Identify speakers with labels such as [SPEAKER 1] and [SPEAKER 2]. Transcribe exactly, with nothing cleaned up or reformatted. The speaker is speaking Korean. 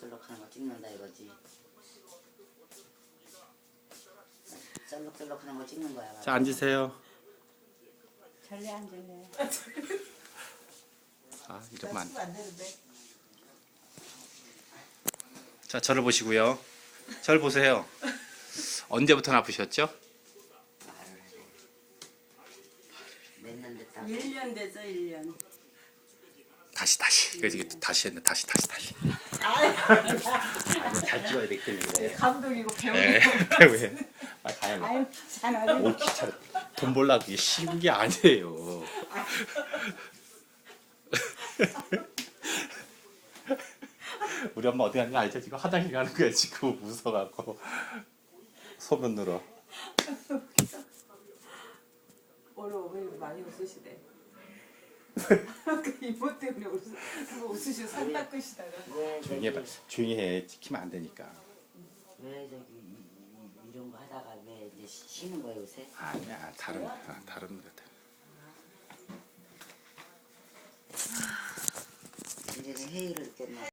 [SPEAKER 1] 썰럭썰럭하는 거 찍는다 이거지. 썰럭썰럭하는 거 찍는 거야.
[SPEAKER 2] 자, 앉으세요.
[SPEAKER 3] 잘래 앉을래?
[SPEAKER 2] 아, 이러면 안 돼.
[SPEAKER 3] 안 되는데.
[SPEAKER 2] 자, 저를 보시고요. 저를 보세요. 언제부터 아프셨죠?
[SPEAKER 1] 몇년 됐다.
[SPEAKER 3] 일 년 됐어, 일 년.
[SPEAKER 2] 다시 다시. 그래서 이게 다시 했네. 다시 다시 다시.
[SPEAKER 1] 아니 잘 찍어야 되기 때문에.
[SPEAKER 3] 감독이고
[SPEAKER 2] 네.
[SPEAKER 3] 배우고.
[SPEAKER 2] 왜? 아, 가야
[SPEAKER 3] 아유, 귀찮아.
[SPEAKER 2] 오, 귀찮아. 돈 벌라고 이게 쉬운 게 아니에요. 우리 엄마 어디 가는 거 알죠? 지금 화장실 가는 거야 지금 무서워갖고 소변 늘어.
[SPEAKER 3] 오늘 어머니 많이 웃으시대. 그 이모 때문에 웃으, 웃으시고 산 닦으시다가.
[SPEAKER 1] 왜
[SPEAKER 2] 조용히
[SPEAKER 1] 저기
[SPEAKER 2] 해봐. 조용히 해. 찍히면 안 되니까.
[SPEAKER 1] 왜 저기 이, 이, 이런 거 하다가 왜 이제 쉬- 쉬는 거야 요새?
[SPEAKER 2] 아니야 다른 아, 다른 것 같아.
[SPEAKER 1] 이제는 회의를 했겠나?